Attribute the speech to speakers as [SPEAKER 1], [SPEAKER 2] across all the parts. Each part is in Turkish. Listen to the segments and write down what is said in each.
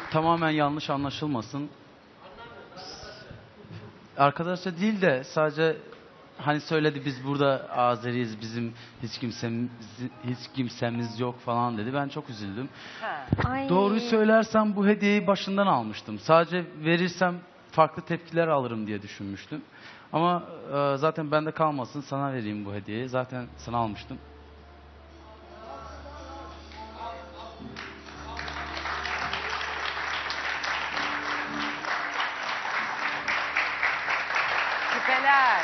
[SPEAKER 1] tamamen yanlış anlaşılmasın. Arkadaşça değil de sadece hani söyledi biz burada Azeriyiz, bizim hiç kimsemiz yok falan dedi. Ben çok üzüldüm.
[SPEAKER 2] Ha.
[SPEAKER 3] Ay.
[SPEAKER 1] Doğruyu söylersem bu hediyeyi başından almıştım. Sadece verirsem farklı tepkiler alırım diye düşünmüştüm. Ama zaten bende kalmasın, sana vereyim bu hediyeyi. Zaten sana almıştım.
[SPEAKER 2] Küpeler.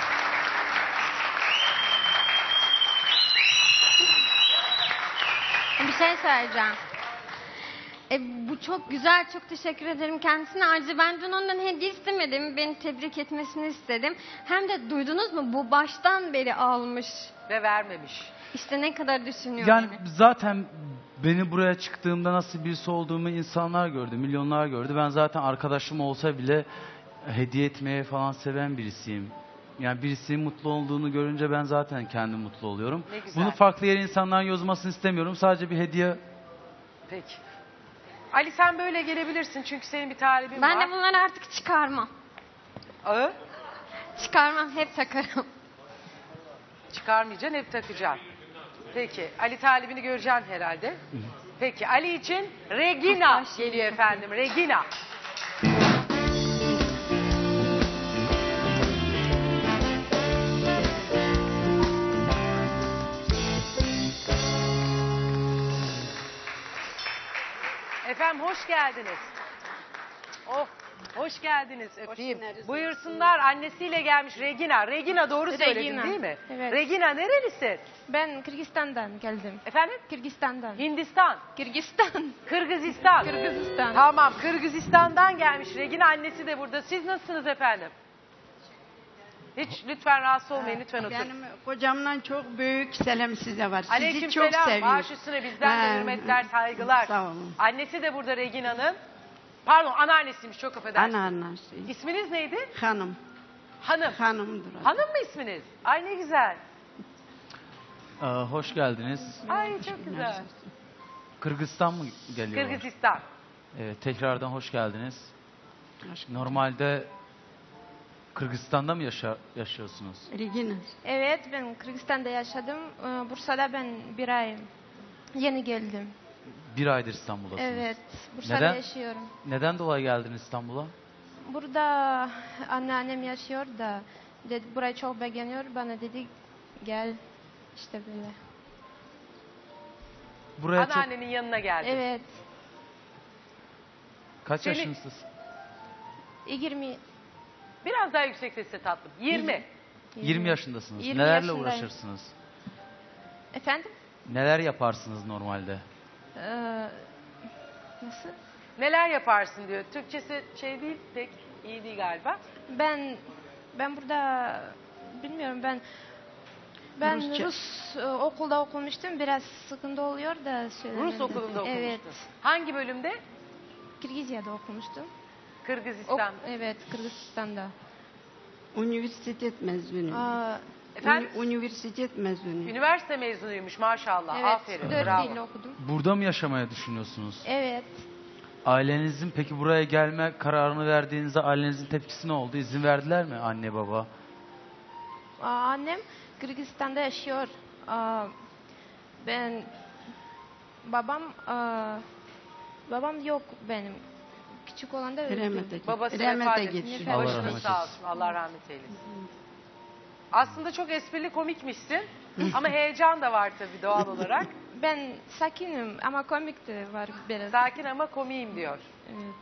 [SPEAKER 3] Bir şey söyleyeceğim. Bu çok güzel, çok teşekkür ederim kendisine. Ayrıca ben dün ondan hediye istemedim. Beni tebrik etmesini istedim. Hem de duydunuz mu? Bu baştan beri almış.
[SPEAKER 2] Ve vermemiş.
[SPEAKER 3] İşte ne kadar düşünüyor
[SPEAKER 1] Yani
[SPEAKER 3] beni.
[SPEAKER 1] zaten beni buraya çıktığımda nasıl birisi olduğumu insanlar gördü, milyonlar gördü. Ben zaten arkadaşım olsa bile hediye etmeye falan seven birisiyim. Yani birisinin mutlu olduğunu görünce ben zaten kendim mutlu oluyorum.
[SPEAKER 2] Ne güzel.
[SPEAKER 1] Bunu farklı yere insanların yazmasını istemiyorum. Sadece bir hediye.
[SPEAKER 2] Peki. Ali sen böyle gelebilirsin çünkü senin bir talibin
[SPEAKER 3] Ben
[SPEAKER 2] var.
[SPEAKER 3] de bunları artık çıkarmam.
[SPEAKER 2] Ağı
[SPEAKER 3] Çıkarmam, hep takarım.
[SPEAKER 2] çıkarmayacaksın, hep takacaksın. Peki. Ali talibini göreceksin herhalde. Peki. Ali için Regina geliyor efendim. Regina. Efendim hoş geldiniz. Oh, hoş geldiniz. Öpeyim. Buyursunlar, annesiyle gelmiş Regina. Regina doğru söyledin
[SPEAKER 3] Regina,
[SPEAKER 2] değil mi?
[SPEAKER 3] evet.
[SPEAKER 2] Regina nerelisin?
[SPEAKER 3] Ben Kırgızistan'dan geldim.
[SPEAKER 2] Efendim?
[SPEAKER 3] Kırgızistan'dan.
[SPEAKER 2] Hindistan,
[SPEAKER 3] Kırgızistan.
[SPEAKER 2] Kırgızistan.
[SPEAKER 3] Kırgızistan.
[SPEAKER 2] Tamam, Kırgızistan'dan gelmiş Regina, annesi de burada. Siz nasılsınız efendim? Hiç lütfen rahatsız olmayın, lütfen oturun.
[SPEAKER 4] Benim kocamdan çok büyük selam size var. Sizi
[SPEAKER 2] Aleyküm
[SPEAKER 4] çok
[SPEAKER 2] selam,
[SPEAKER 4] seviyorum.
[SPEAKER 2] baş üstüne bizden de hürmetler, saygılar.
[SPEAKER 4] Sağ olun.
[SPEAKER 2] Annesi de burada Regina'nın. Pardon, anneannesiymiş, çok affedersiniz.
[SPEAKER 4] Anneannesi.
[SPEAKER 2] İsminiz neydi?
[SPEAKER 4] Hanım.
[SPEAKER 2] Hanım.
[SPEAKER 4] Hanımdır. o.
[SPEAKER 2] Hanım mı isminiz? Ay ne güzel.
[SPEAKER 1] Hoş geldiniz.
[SPEAKER 2] Ay çok güzel.
[SPEAKER 1] Kırgızistan mı geliyor?
[SPEAKER 2] Kırgızistan.
[SPEAKER 1] Evet, tekrardan hoş geldiniz. Normalde Kırgızistan'da mı yaşıyorsunuz?
[SPEAKER 4] Regina.
[SPEAKER 3] Evet, ben Kırgızistan'da yaşadım. Bursa'da ben bir ay yeni geldim.
[SPEAKER 1] Bir aydır İstanbul'dasınız.
[SPEAKER 3] Evet, Bursa'da
[SPEAKER 1] Neden?
[SPEAKER 3] yaşıyorum.
[SPEAKER 1] Neden dolayı geldiniz İstanbul'a?
[SPEAKER 3] Burada anneannem yaşıyor da dedi, burayı çok beğeniyor. Bana dedi gel işte böyle.
[SPEAKER 1] Buraya çok...
[SPEAKER 2] Anneannenin yanına geldi.
[SPEAKER 3] Evet,
[SPEAKER 1] Kaç
[SPEAKER 2] Seni-
[SPEAKER 1] yaşındasınız?
[SPEAKER 3] 20
[SPEAKER 2] Biraz daha yüksek sesle tatlım. 20.
[SPEAKER 1] 20 yaşındasınız.
[SPEAKER 3] 20
[SPEAKER 1] Nelerle
[SPEAKER 3] yaşındayım.
[SPEAKER 1] uğraşırsınız?
[SPEAKER 3] Efendim?
[SPEAKER 1] Neler yaparsınız normalde?
[SPEAKER 3] Nasıl?
[SPEAKER 2] Neler yaparsın diyor. Türkçesi şey değil, pek iyi değil galiba.
[SPEAKER 3] Ben burada bilmiyorum ben
[SPEAKER 4] Rusça.
[SPEAKER 3] Rus okulda okumuştum. Biraz sıkıntı oluyor da söylemedim.
[SPEAKER 2] Rus okulunda okumuştun.
[SPEAKER 3] Evet.
[SPEAKER 2] Hangi bölümde?
[SPEAKER 3] Kirgizya'da okumuştum.
[SPEAKER 2] Kırgızistan.
[SPEAKER 3] Evet, Kırgızistan'da.
[SPEAKER 4] Üniversitet mezunu.
[SPEAKER 2] Efendim?
[SPEAKER 4] Üniversitet mezunu.
[SPEAKER 2] Üniversite mezunuymuş maşallah.
[SPEAKER 3] Evet,
[SPEAKER 2] Aferin.
[SPEAKER 3] 4
[SPEAKER 2] Bravo.
[SPEAKER 3] dil okudum.
[SPEAKER 1] Burada mı yaşamaya düşünüyorsunuz?
[SPEAKER 3] Evet.
[SPEAKER 1] Ailenizin peki buraya gelme kararını verdiğinizde ailenizin tepkisi ne oldu? İzin verdiler mi anne baba?
[SPEAKER 3] Annem Kırgızistan'da yaşıyor. Ben babam yok benim. Küçük olan da öldü.
[SPEAKER 2] Babası
[SPEAKER 4] Rahmete
[SPEAKER 2] vefat etmiş.
[SPEAKER 4] geçti.
[SPEAKER 1] Allah
[SPEAKER 2] Başınız
[SPEAKER 1] rahmet
[SPEAKER 2] sağ
[SPEAKER 1] eylesin.
[SPEAKER 2] olsun. Allah rahmet eylesin. Aslında çok esprili komikmişsin. Ama heyecan da var tabii doğal olarak.
[SPEAKER 3] Ben sakinim ama komik de var biraz.
[SPEAKER 2] Sakin ama komiyim diyor.
[SPEAKER 3] Evet.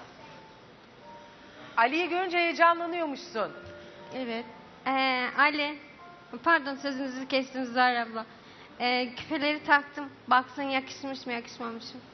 [SPEAKER 2] Ali'yi görünce heyecanlanıyormuşsun.
[SPEAKER 3] Evet. Ali, pardon sözünüzü kestim Zahra abla. Küpeleri taktım. Baksın yakışmış mı yakışmamış mı?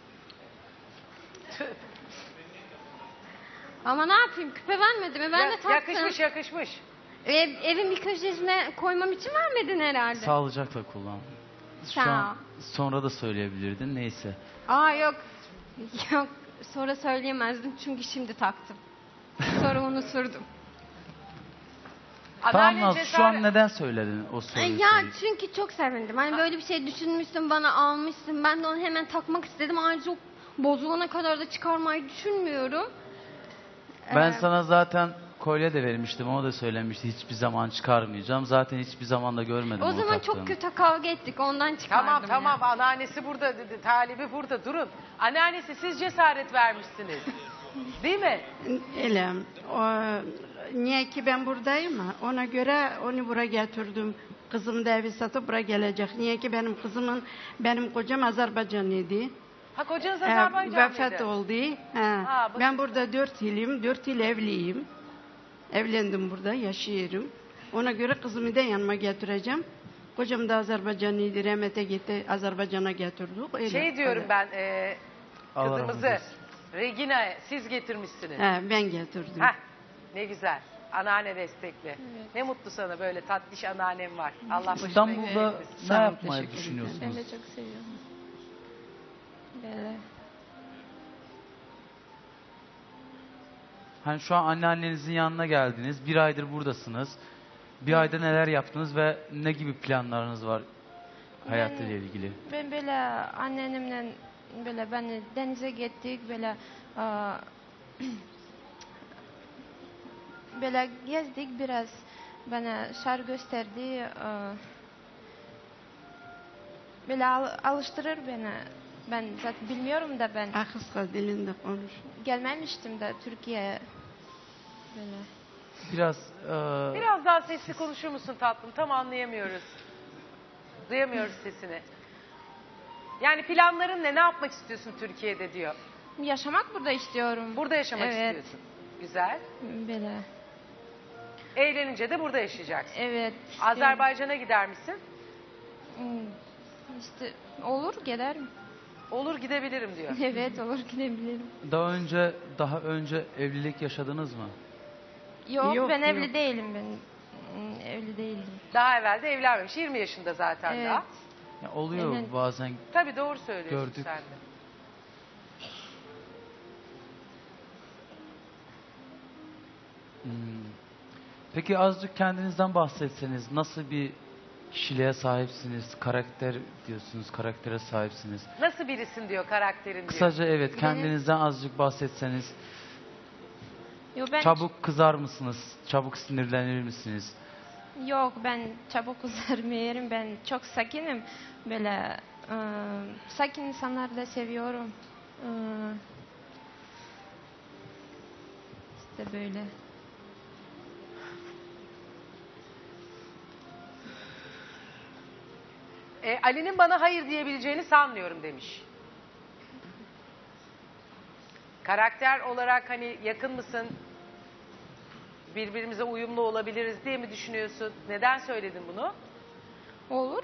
[SPEAKER 3] Ama ne yapayım? Küpe vermedi mi? Ben de taktım.
[SPEAKER 2] Yakışmış yakışmış.
[SPEAKER 3] Evin bir köşesine koymam için vermedin herhalde.
[SPEAKER 1] Sağlıcakla kullan. Şu
[SPEAKER 3] Sağ ol.
[SPEAKER 1] an sonra da söyleyebilirdin. Neyse.
[SPEAKER 3] Yok. Yok. Sonra söyleyemezdim çünkü şimdi taktım. Sonra unutturdum.
[SPEAKER 1] Tamam
[SPEAKER 2] Adalet
[SPEAKER 1] Naz, şu an neden söyledin o soruyu?
[SPEAKER 3] Ya
[SPEAKER 1] söyle.
[SPEAKER 3] çünkü çok sevindim. Hani böyle bir şey düşünmüşsün, bana almışsın. Ben de onu hemen takmak istedim. Ayrıca bozulana kadar da çıkarmayı düşünmüyorum.
[SPEAKER 1] Ben
[SPEAKER 3] Ee,
[SPEAKER 1] sana zaten kolye de vermiştim. O da söylemişti. Hiçbir zaman çıkarmayacağım. Zaten hiçbir zaman da görmedim
[SPEAKER 3] O
[SPEAKER 1] onu
[SPEAKER 3] zaman
[SPEAKER 1] taktığını.
[SPEAKER 3] çok kötü kavga ettik, ondan çıkardım.
[SPEAKER 2] Tamam
[SPEAKER 3] ya.
[SPEAKER 2] tamam, anneannesi burada dedi, talibi burada, durun. Anneannesi, siz cesaret vermişsiniz. Değil mi?
[SPEAKER 4] Öyle. O, niye ki ben buradayım ha? Ona göre onu buraya getirdim. Kızım da evi satıp buraya gelecek. Niye ki benim kocam Azerbaycanlıydı.
[SPEAKER 2] Ha, kocanız
[SPEAKER 4] Ee,
[SPEAKER 2] Azerbaycanlıydı.
[SPEAKER 4] vefat oldu.
[SPEAKER 2] bakın.
[SPEAKER 4] Ben burada 4 yılım, 4 yıl evliyim. Evlendim burada, yaşıyorum. Ona göre kızımı da yanıma getireceğim. Kocam da Azerbaycanlıydı, rahmete gitti, Azerbaycan'a getirdik. Öyle,
[SPEAKER 2] Şey diyorum
[SPEAKER 4] öyle.
[SPEAKER 2] ben,
[SPEAKER 1] Allah rahmet
[SPEAKER 2] kızımızı
[SPEAKER 1] eylesin.
[SPEAKER 2] Regina siz getirmişsiniz.
[SPEAKER 4] Ben getirdim.
[SPEAKER 2] Heh, ne güzel. Anneanne destekli. Ne mutlu sana, böyle tatlış anneannem var. Allah başına
[SPEAKER 1] İstanbul'da ne
[SPEAKER 4] Sağ ol,
[SPEAKER 1] yapmayı
[SPEAKER 4] teşekkür
[SPEAKER 1] düşünüyorsunuz?
[SPEAKER 3] Ben de çok seviyorum. Böyle.
[SPEAKER 1] Hani şu an anneannenizin yanına geldiniz. Bir aydır buradasınız. Bir ayda neler yaptınız ve ne gibi planlarınız var hayatıyla ilgili?
[SPEAKER 3] Ben böyle annemle böyle beni denize gittik, böyle böyle gezdik biraz, bana şehir gösterdi, böyle alıştırır beni. Ben zaten bilmiyorum da, ben
[SPEAKER 4] Kız dilinde konuş.
[SPEAKER 3] gelmemiştim de Türkiye'ye böyle.
[SPEAKER 1] Biraz
[SPEAKER 2] Biraz daha sesli konuşur musun tatlım? Tam anlayamıyoruz. Duyamıyoruz sesini. Yani planların ne? Ne yapmak istiyorsun Türkiye'de diyor.
[SPEAKER 3] Yaşamak burada istiyorum.
[SPEAKER 2] Burada yaşamak
[SPEAKER 3] Evet.
[SPEAKER 2] istiyorsun. Güzel.
[SPEAKER 3] Böyle.
[SPEAKER 2] Evlenince de burada yaşayacaksın.
[SPEAKER 3] Evet.
[SPEAKER 2] Azerbaycan'a gider misin?
[SPEAKER 3] İşte olur, giderim.
[SPEAKER 2] Olur, gidebilirim diyor.
[SPEAKER 3] Evet, olur, gidebilirim.
[SPEAKER 1] daha önce evlilik yaşadınız mı?
[SPEAKER 3] Yok,
[SPEAKER 4] Yok,
[SPEAKER 3] ben
[SPEAKER 4] yok.
[SPEAKER 3] evli değilim, ben evli değildim.
[SPEAKER 2] Daha evvel de evlenmemiş. 20 yaşında zaten
[SPEAKER 3] Evet.
[SPEAKER 2] daha.
[SPEAKER 1] Ya oluyor
[SPEAKER 3] Evet.
[SPEAKER 1] bazen.
[SPEAKER 2] Tabii doğru söylüyorsun
[SPEAKER 1] Gördük.
[SPEAKER 2] sen de.
[SPEAKER 1] Hmm. Peki azıcık kendinizden bahsetseniz, nasıl bir kişiliğe sahipsiniz? Karakter diyorsunuz, karaktere sahipsiniz.
[SPEAKER 2] Nasıl birisin diyor, karakterin diyor.
[SPEAKER 1] Kısaca evet, kendinizden azıcık bahsetseniz.
[SPEAKER 3] Yok, ben
[SPEAKER 1] Çabuk kızar mısınız? Çabuk sinirlenir misiniz?
[SPEAKER 3] Yok, ben çabuk üzermeyim. Ben çok sakinim. Böyle sakin insanları da seviyorum. İşte böyle.
[SPEAKER 2] Ali'nin bana hayır diyebileceğini sanmıyorum demiş. Karakter olarak hani yakın mısın? Birbirimize uyumlu olabiliriz diye mi düşünüyorsun? Neden söyledin bunu?
[SPEAKER 3] Olur.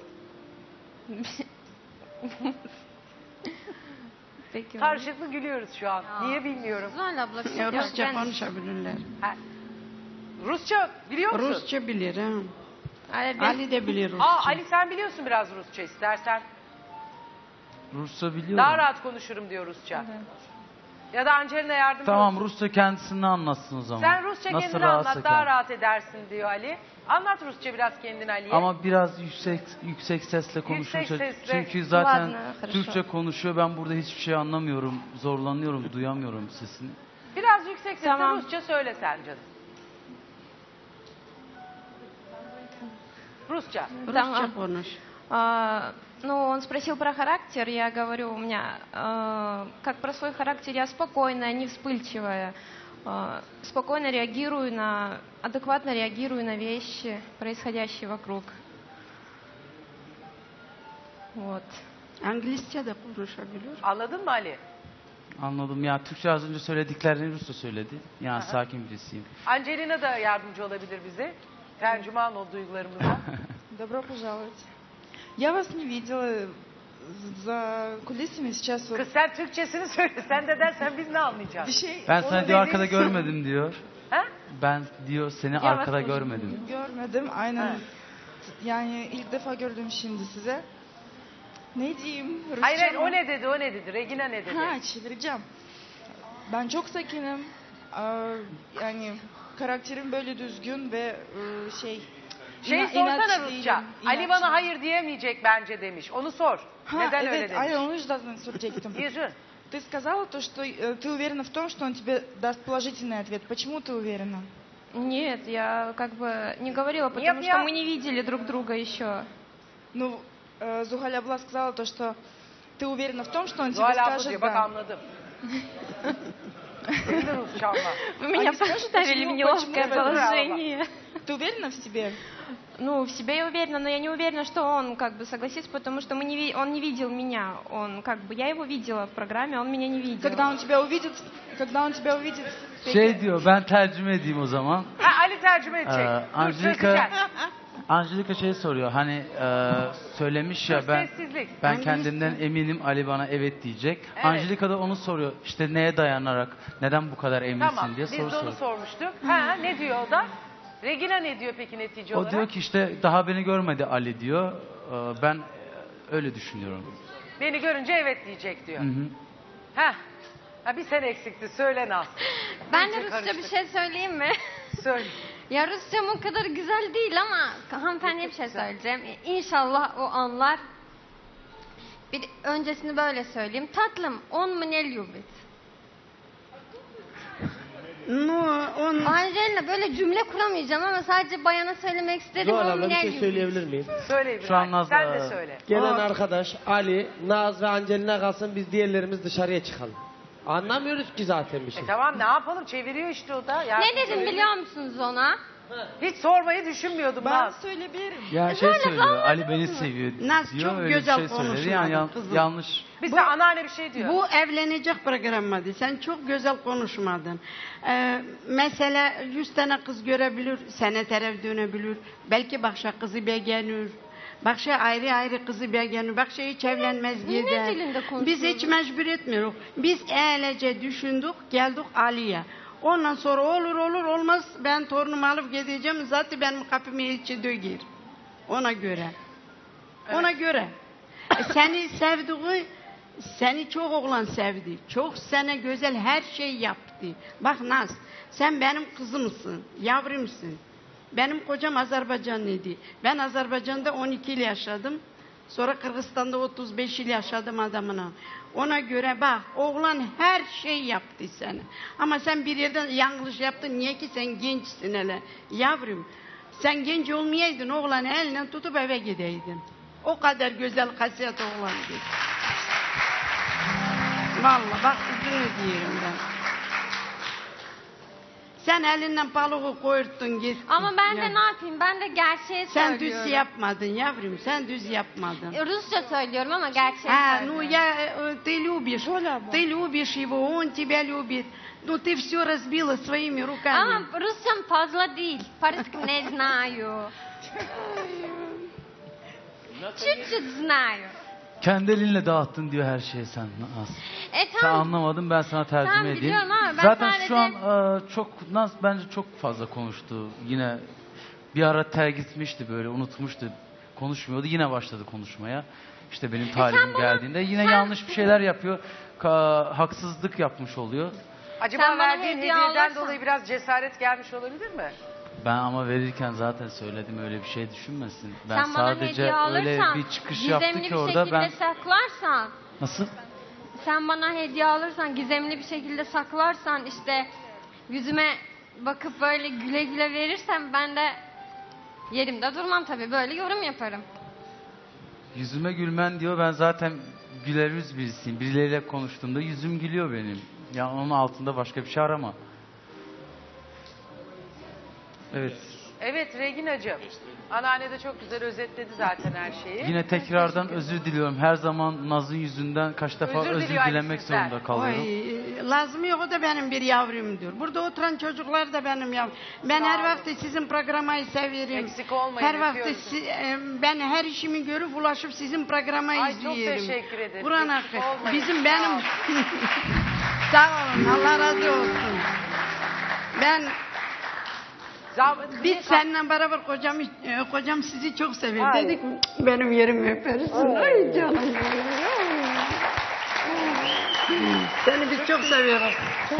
[SPEAKER 3] Peki.
[SPEAKER 2] Karşılıklı gülüyoruz şu an. Niye bilmiyorum.
[SPEAKER 3] Zuhal abla.
[SPEAKER 4] Rusça
[SPEAKER 3] ben-
[SPEAKER 4] konuşabilirler.
[SPEAKER 2] Ha, Rusça biliyor musun?
[SPEAKER 4] Rusça bilir ha.
[SPEAKER 3] Ali, ben-
[SPEAKER 4] Ali de bilir Rusça.
[SPEAKER 2] Ali sen biliyorsun biraz Rusça, istersen.
[SPEAKER 1] Rusça biliyorum.
[SPEAKER 2] Daha rahat konuşurum diyor Rusça. Ya da Angelina yardımcı
[SPEAKER 1] Tamam,
[SPEAKER 2] olsun.
[SPEAKER 1] Rusça kendisini anlatsın o zaman.
[SPEAKER 2] Sen Rusça
[SPEAKER 1] Nasıl
[SPEAKER 2] kendini
[SPEAKER 1] rahatsa
[SPEAKER 2] anlat, daha
[SPEAKER 1] kendi.
[SPEAKER 2] rahat edersin diyor Ali. Anlat Rusça biraz kendin Ali'ye.
[SPEAKER 1] Ama biraz yüksek sesle konuşursa.
[SPEAKER 2] sesle.
[SPEAKER 1] Çünkü zaten
[SPEAKER 3] Ладно, хорошо.
[SPEAKER 1] Türkçe konuşuyor. Ben burada hiçbir şey anlamıyorum. Zorlanıyorum, duyamıyorum sesini.
[SPEAKER 2] Biraz yüksek sesle
[SPEAKER 3] Tamam.
[SPEAKER 2] Rusça söyle sen canım. Rusça.
[SPEAKER 4] Rusça
[SPEAKER 3] Tamam.
[SPEAKER 4] konuş.
[SPEAKER 3] Ну, он спросил про характер, я говорю, у меня, как про свой характер, я спокойная, не вспыльчивая, спокойно реагирую адекватно реагирую на вещи, происходящие вокруг. Вот.
[SPEAKER 4] İngilizce de konuşabilir.
[SPEAKER 2] Anladın mı Ali?
[SPEAKER 1] Anladım. Ya Türkçe az önce söylediklerini Rusça söyledi. Yani sakin birisiyim.
[SPEAKER 2] Angelina da yardımcı olabilir bize. Tercüman ol duygularımıza.
[SPEAKER 5] Добро пожаловать. Я вас не видела за кулисами сейчас. Вот
[SPEAKER 2] Kız sen Türkçesini söyle. Sen de dersen biz ne
[SPEAKER 5] bir
[SPEAKER 2] anlayacağız?
[SPEAKER 5] şey
[SPEAKER 1] Ben
[SPEAKER 2] Onu
[SPEAKER 1] seni diyor
[SPEAKER 2] dediğini
[SPEAKER 1] arkada görmedim diyor.
[SPEAKER 2] Ha?
[SPEAKER 1] Ben diyor seni
[SPEAKER 3] Ya
[SPEAKER 1] arkada
[SPEAKER 3] bak-
[SPEAKER 1] görmedim.
[SPEAKER 5] görmedim. Aynen.
[SPEAKER 2] Ha.
[SPEAKER 5] Yani ilk defa gördüm şimdi size. Ne diyeyim? Rusça
[SPEAKER 2] Hayır hayır,
[SPEAKER 5] mı?
[SPEAKER 2] o ne dedi, o ne dedi? Regina ne dedi?
[SPEAKER 5] Ha, çevireceğim. Ben çok sakinim. Yani karakterim böyle düzgün ve şey...
[SPEAKER 2] Sorsana
[SPEAKER 5] inatçı
[SPEAKER 2] Rusça.
[SPEAKER 5] değilim,
[SPEAKER 2] Ali
[SPEAKER 5] inatçı.
[SPEAKER 2] bana hayır diyemeyecek bence demiş. Onu sor.
[SPEAKER 5] Ha,
[SPEAKER 2] Neden
[SPEAKER 5] evet,
[SPEAKER 2] öyle demiş?
[SPEAKER 5] aynen onu yüzden soracaktım.
[SPEAKER 2] Yüzün.
[SPEAKER 5] ты сказала то, что ты уверена в том, что он тебе даст положительный ответ. Почему ты уверена?
[SPEAKER 6] Нет, я как бы не говорила, потому
[SPEAKER 2] Нет,
[SPEAKER 6] что
[SPEAKER 2] я-
[SPEAKER 6] мы не видели друг друга еще.
[SPEAKER 5] Ну, Зухаль Абла сказала то, что ты уверена в том, что он тебе
[SPEAKER 2] Zuhal abla
[SPEAKER 5] скажет
[SPEAKER 2] diyor. Bak
[SPEAKER 5] да.
[SPEAKER 2] anladım. Bilir Rusçanla.
[SPEAKER 6] Вы меня
[SPEAKER 5] скажут,
[SPEAKER 6] поставили в
[SPEAKER 5] почему-
[SPEAKER 6] неловкое
[SPEAKER 5] почему вы
[SPEAKER 6] положение.
[SPEAKER 5] Ты уверена в себе?
[SPEAKER 6] Ну, в себе я уверена, но я не уверена, что он как бы согласится, потому что он не видел меня. Он как бы, я его видела в программе, он меня не видел.
[SPEAKER 5] Когда он тебя увидит,
[SPEAKER 1] Şey diyor, ben tercüme edeyim o zaman.
[SPEAKER 2] Ha, Ali tercüme edecek. Dur
[SPEAKER 1] Angelika,
[SPEAKER 2] çözeceğiz.
[SPEAKER 1] Angelika şey soruyor, hani söylemiş ya
[SPEAKER 2] Dur,
[SPEAKER 1] ben
[SPEAKER 2] sessizlik.
[SPEAKER 1] ben kendimden eminim, Ali bana evet diyecek.
[SPEAKER 2] Evet.
[SPEAKER 1] Angelika da onu soruyor, işte neye dayanarak, neden bu kadar eminsin
[SPEAKER 2] Tamam
[SPEAKER 1] diye
[SPEAKER 2] biz
[SPEAKER 1] soru
[SPEAKER 2] de onu
[SPEAKER 1] soruyor.
[SPEAKER 2] sormuştuk. Ha, ne diyor o da? Regina ne diyor peki netice
[SPEAKER 1] O
[SPEAKER 2] olarak?
[SPEAKER 1] diyor ki işte daha beni görmedi Ali diyor. Ben öyle düşünüyorum.
[SPEAKER 2] Beni görünce evet diyecek diyor.
[SPEAKER 1] Hı hı.
[SPEAKER 2] Ha bir sen eksikti söyle Naz.
[SPEAKER 3] Ben de
[SPEAKER 2] İyice
[SPEAKER 3] Rusça bir
[SPEAKER 2] karıştık.
[SPEAKER 3] şey söyleyeyim mi?
[SPEAKER 2] Söyle.
[SPEAKER 3] Ya Rusçam o kadar güzel değil ama hanımefendiye bir şey söyleyeceğim. İnşallah o anlar. Bir öncesini böyle söyleyeyim. Tatlım, on мне любит.
[SPEAKER 4] Ну, он...
[SPEAKER 3] Angelina böyle cümle kuramayacağım ama sadece bayana söylemek istedim.
[SPEAKER 7] Zuhal
[SPEAKER 3] On
[SPEAKER 7] abla bir
[SPEAKER 3] мне
[SPEAKER 7] şey
[SPEAKER 3] любит.
[SPEAKER 7] söyleyebilir miyim?
[SPEAKER 2] Söyle İbrahim.
[SPEAKER 1] Şu an Naz
[SPEAKER 2] Sen de söyle.
[SPEAKER 7] Gelen arkadaş Ali, Naz ve Angelina kalsın, biz diğerlerimiz dışarıya çıkalım. Anlamıyoruz ki zaten bir şey.
[SPEAKER 2] Tamam ne yapalım çeviriyor işte o da. Yani
[SPEAKER 3] Ne dedim biliyor musunuz ona?
[SPEAKER 2] hiç sormayı düşünmüyordum
[SPEAKER 5] Ben
[SPEAKER 2] Naz.
[SPEAKER 5] söyleyebilirim.
[SPEAKER 1] Ya şey söylüyor, Ali beni seviyor
[SPEAKER 4] Naz
[SPEAKER 1] diyor,
[SPEAKER 4] çok
[SPEAKER 1] öyle bir
[SPEAKER 4] güzel
[SPEAKER 1] şey söyledi.
[SPEAKER 4] konuşmadın
[SPEAKER 1] Yani
[SPEAKER 4] kızım.
[SPEAKER 1] yanlış.
[SPEAKER 2] Bir sen anneanne bir şey diyor.
[SPEAKER 4] Bu evlenecek programıydı. Sen çok güzel konuşmadın. Mesela 100 tane kız görebilir, sene taraf dönebilir. Belki başka kızı beğenir. Başka ayrı ayrı kızı beğenir. Başka hiç evlenmez
[SPEAKER 3] Ne
[SPEAKER 4] gider.
[SPEAKER 3] dilinde konuşuyorsun?
[SPEAKER 4] Biz hiç mecbur etmiyoruz. Biz öylece düşündük, geldik Ali'ye. Ondan sonra olur olmaz ben torunumu alıp gideceğim. Zaten benim kapımı içi döger. Ona göre. Ona göre. Seni sevdiği, seni çok oğlan sevdi. Çok sana güzel her şey yaptı. Bak Naz, sen benim kızımsın, yavrumsun. Benim kocam Azerbaycanlıydı. Ben Azerbaycan'da 12 yıl yaşadım. Sonra Kırgızistan'da 35 yıl yaşadım adamına. Ona göre bak, oğlan her şey yaptı sana. Ama sen bir yerden yanlış yaptın. Niye ki sen gençsin hele. Yavrum, sen genç olmayaydın, oğlanı elinden tutup eve gideydin. O kadar güzel hasiyet oğlandı. Vallahi bak üzülme diyorum ben. Sen elinden balığı koyurttun gittin.
[SPEAKER 3] Ama ben
[SPEAKER 4] Ya.
[SPEAKER 3] de ne yapayım? Ben de gerçeği
[SPEAKER 4] Sen
[SPEAKER 3] söylüyorum.
[SPEAKER 4] düz yapmadın yavrum, sen düz yapmadın.
[SPEAKER 3] Rusça söylüyorum ama gerçeği
[SPEAKER 4] А,
[SPEAKER 3] söylüyorum.
[SPEAKER 4] ну я, ты любишь, ты любишь его, он тебя любит. Ну ты все разбила своими руками.
[SPEAKER 3] Ama Rusçam fazla değil. По-русски не знаю. Чуть-чуть знаю.
[SPEAKER 1] Kendi elinle dağıttın diyor her şeyi sen Naz. Sen
[SPEAKER 3] Tamam.
[SPEAKER 1] anlamadın, ben sana tercüme
[SPEAKER 3] Tamam,
[SPEAKER 1] edeyim.
[SPEAKER 3] biliyorum ama ben
[SPEAKER 1] Zaten
[SPEAKER 3] sadece-
[SPEAKER 1] şu an çok Naz bence çok fazla konuştu. Yine bir ara gitmişti böyle, unutmuştu. Konuşmuyordu. Yine başladı konuşmaya. İşte benim talibim
[SPEAKER 3] bana-
[SPEAKER 1] geldiğinde yine
[SPEAKER 3] sen-
[SPEAKER 1] yanlış bir şeyler yapıyor. Haksızlık yapmış oluyor.
[SPEAKER 2] Acaba
[SPEAKER 3] Sen bana
[SPEAKER 2] verdiğin
[SPEAKER 3] hediye
[SPEAKER 2] hediyeden
[SPEAKER 3] alırsan-
[SPEAKER 2] dolayı biraz cesaret gelmiş olabilir mi?
[SPEAKER 1] Ben ama verirken zaten söyledim, öyle bir şey düşünmesin. Ben
[SPEAKER 3] Sen bana
[SPEAKER 1] sadece
[SPEAKER 3] hediye
[SPEAKER 1] öyle
[SPEAKER 3] alırsan,
[SPEAKER 1] bir çıkış yaptı
[SPEAKER 3] gizemli
[SPEAKER 1] ki
[SPEAKER 3] bir
[SPEAKER 1] orada
[SPEAKER 3] şekilde
[SPEAKER 1] ben...
[SPEAKER 3] saklarsan,
[SPEAKER 1] Nasıl?
[SPEAKER 3] sen bana hediye alırsan, gizemli bir şekilde saklarsan, işte yüzüme bakıp böyle güle güle verirsen ben de yerimde durmam tabii. Böyle yorum yaparım.
[SPEAKER 1] Yüzüme gülmen diyor, ben zaten güler yüz birisiyim. Birileriyle konuştuğumda yüzüm gülüyor benim. Ya onun altında başka bir şey arama. Evet.
[SPEAKER 2] Evet Regina'cığım. Anneanne de çok güzel özetledi zaten her şeyi.
[SPEAKER 1] Yine tekrardan özür diliyorum. Her zaman Naz'ın yüzünden kaç defa
[SPEAKER 2] Özür
[SPEAKER 1] özür
[SPEAKER 2] diliyor
[SPEAKER 1] dilemek
[SPEAKER 2] sizden.
[SPEAKER 1] zorunda kalıyorum.
[SPEAKER 4] Oy, lazım yok, o da benim bir yavrumdur. Burada oturan çocuklar da benim yavrum. Ben
[SPEAKER 2] Sağ
[SPEAKER 4] her
[SPEAKER 2] olun.
[SPEAKER 4] vakti sizin programayı severim.
[SPEAKER 2] Eksik olmayın,
[SPEAKER 4] Her vakti
[SPEAKER 2] öpüyoruz.
[SPEAKER 4] ben her işimi görüp ulaşıp sizin programayı
[SPEAKER 2] Ay, çok
[SPEAKER 4] izliyorum.
[SPEAKER 2] teşekkür ederim.
[SPEAKER 4] Kur'an
[SPEAKER 2] Eksik
[SPEAKER 4] hakkı.
[SPEAKER 2] olmayın.
[SPEAKER 4] Bizim
[SPEAKER 2] Sağ
[SPEAKER 4] benim...
[SPEAKER 2] olun.
[SPEAKER 4] Sağ olun, Allah razı olsun. Ben biz seninle beraber kocam sizi çok seviyor.
[SPEAKER 2] Ay.
[SPEAKER 4] Dedik benim yerimi öpersin. Ay canım benim. Seni biz çok seviyoruz.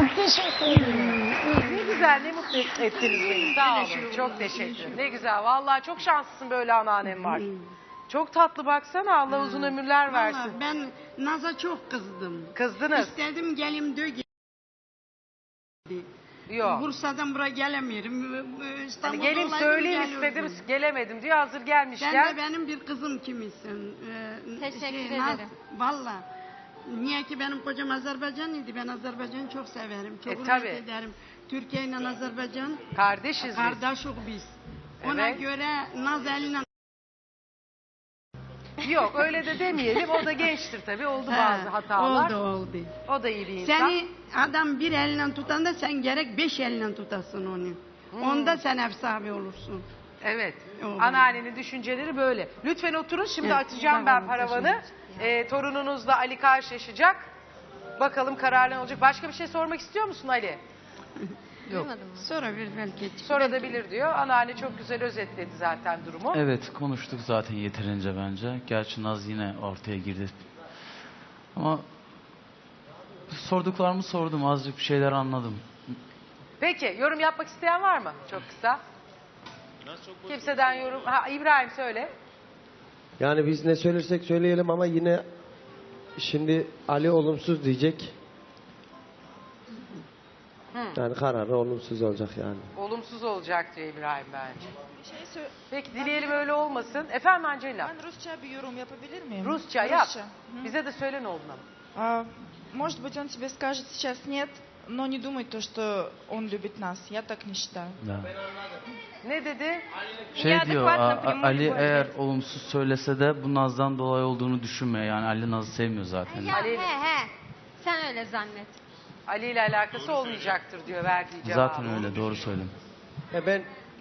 [SPEAKER 2] Ne güzel, ne mutlu ettiniz beni. Sağ olun. Çok teşekkür ederim. Ne güzel. Vallahi çok şanslısın böyle anneannem var. Çok tatlı baksana, Allah uzun ömürler versin.
[SPEAKER 4] Vallahi ben Naz'a çok kızdım.
[SPEAKER 2] Kızdınız.
[SPEAKER 4] İstedim gelim dö
[SPEAKER 2] Yok.
[SPEAKER 4] Bursa'dan buraya gelemiyorum.
[SPEAKER 2] Hani
[SPEAKER 4] İstanbul'da
[SPEAKER 2] gelin
[SPEAKER 4] olaydım,
[SPEAKER 2] söyleyeyim
[SPEAKER 4] gelirdim.
[SPEAKER 2] istedim, gelemedim diyor. Hazır
[SPEAKER 4] Sen
[SPEAKER 2] gelmişken.
[SPEAKER 4] de benim bir kızım kimisin?
[SPEAKER 3] Teşekkür
[SPEAKER 4] Naz,
[SPEAKER 3] ederim.
[SPEAKER 4] Valla. Niye ki benim kocam Azerbaycanlıydı. Ben Azerbaycan'ı çok severim. Çok hürmet
[SPEAKER 2] tabii.
[SPEAKER 4] ederim. Türkiye ile Azerbaycan
[SPEAKER 2] Kardeşiz biz.
[SPEAKER 4] kardeşik biz. Ona
[SPEAKER 2] Evet.
[SPEAKER 4] göre Naz eline
[SPEAKER 2] Yok öyle de demeyelim. O da gençtir tabii. Oldu bazı hatalar.
[SPEAKER 4] oldu.
[SPEAKER 2] O da iyi bir insan.
[SPEAKER 4] Seni adam bir elinden tutan da sen gerek 5 elinden tutasın onu. Onda sen ev sahibi olursun.
[SPEAKER 2] Evet.
[SPEAKER 4] Oldu.
[SPEAKER 2] Anneannenin düşünceleri böyle. Lütfen oturun. Şimdi
[SPEAKER 4] Evet,
[SPEAKER 2] atacağım
[SPEAKER 4] tamam,
[SPEAKER 2] ben paravanı. Torununuzla Ali karşılaşacak. Bakalım kararlı ne olacak. Başka bir şey sormak istiyor musun Ali?
[SPEAKER 3] Duymadın mı?
[SPEAKER 4] Sonra bir belki.
[SPEAKER 2] Sonra da bilir diyor. Anneanne çok güzel özetledi zaten durumu.
[SPEAKER 1] Evet, konuştuk zaten yeterince bence. Gerçi Naz yine ortaya girdi. Ama sorduklarımı sordum. Azıcık bir şeyler anladım.
[SPEAKER 2] Peki yorum yapmak isteyen var mı? Çok kısa. Kimseden yorum. Ha, İbrahim söyle.
[SPEAKER 7] Yani biz ne söylersek söyleyelim ama yine şimdi Ali olumsuz diyecek. Yani kararı olumsuz olacak yani.
[SPEAKER 2] Olumsuz olacak diyor İbrahim bence.
[SPEAKER 5] Bir şey
[SPEAKER 2] Peki dileyelim öyle olmasın. Efendim Angela.
[SPEAKER 5] Ben Rusça bir yorum yapabilir miyim?
[SPEAKER 2] Rusça yap.
[SPEAKER 5] Rusça.
[SPEAKER 2] Bize de söyle ne olduğunu.
[SPEAKER 5] Может быть, он тебе скажет сейчас нет, но не думай то, что он любит нас. Я так не считаю.
[SPEAKER 1] Ya.
[SPEAKER 2] Ne dedi?
[SPEAKER 1] Şey
[SPEAKER 6] Ya
[SPEAKER 1] diyor,
[SPEAKER 6] adekvatla prямой
[SPEAKER 1] Ali
[SPEAKER 6] любовь.
[SPEAKER 1] eğer olumsuz söylese de bu Naz'dan dolayı olduğunu düşünme. Yani Ali Naz'ı sevmiyor zaten.
[SPEAKER 3] Ya
[SPEAKER 2] Ali-
[SPEAKER 3] he. Sen öyle zannet.
[SPEAKER 2] Ali ile alakası olmayacaktır diyor verdiği cevabı.
[SPEAKER 1] Zaten öyle, doğru söylüyorum.
[SPEAKER 7] Ben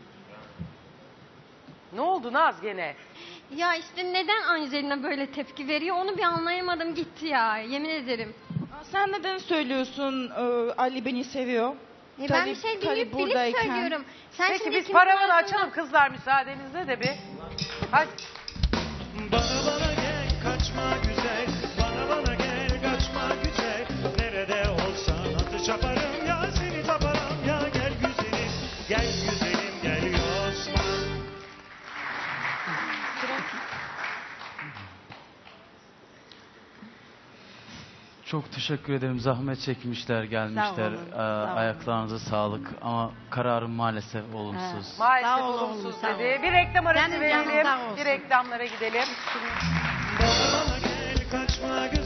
[SPEAKER 2] Ne oldu Naz gene?
[SPEAKER 3] Ya işte neden Angelina böyle tepki veriyor onu bir anlayamadım gitti ya. Yemin ederim.
[SPEAKER 5] Sen neden söylüyorsun Ali beni seviyor?
[SPEAKER 3] Ben bir şey bilip söylüyorum. Sen
[SPEAKER 2] Peki
[SPEAKER 3] şimdi
[SPEAKER 2] biz
[SPEAKER 3] kimin
[SPEAKER 2] paravanı
[SPEAKER 3] arasında-
[SPEAKER 2] açalım kızlar müsaadenizle de bir. Hadi.
[SPEAKER 8] Bana gel kaçma güzel, bana gel kaçma güzel. Nerede olsan atı çaparım ya seni taparım ya gel güzelim, gel güzelim gel Yosma.
[SPEAKER 1] Çok teşekkür ederim. Zahmet çekmişler, gelmişler.
[SPEAKER 4] olun, sağ olun.
[SPEAKER 1] Ayaklarınıza sağlık. Ama kararım maalesef olumsuz.
[SPEAKER 2] Maalesef
[SPEAKER 4] Sağ ol
[SPEAKER 2] olumsuz
[SPEAKER 4] oğlum, sağ
[SPEAKER 2] dedi.
[SPEAKER 4] ol.
[SPEAKER 2] Bir reklam arası
[SPEAKER 4] Senin canın
[SPEAKER 2] verelim.
[SPEAKER 4] sağ olsun.
[SPEAKER 2] Bir reklamlara gidelim.
[SPEAKER 8] Bana gel kaçma güzel.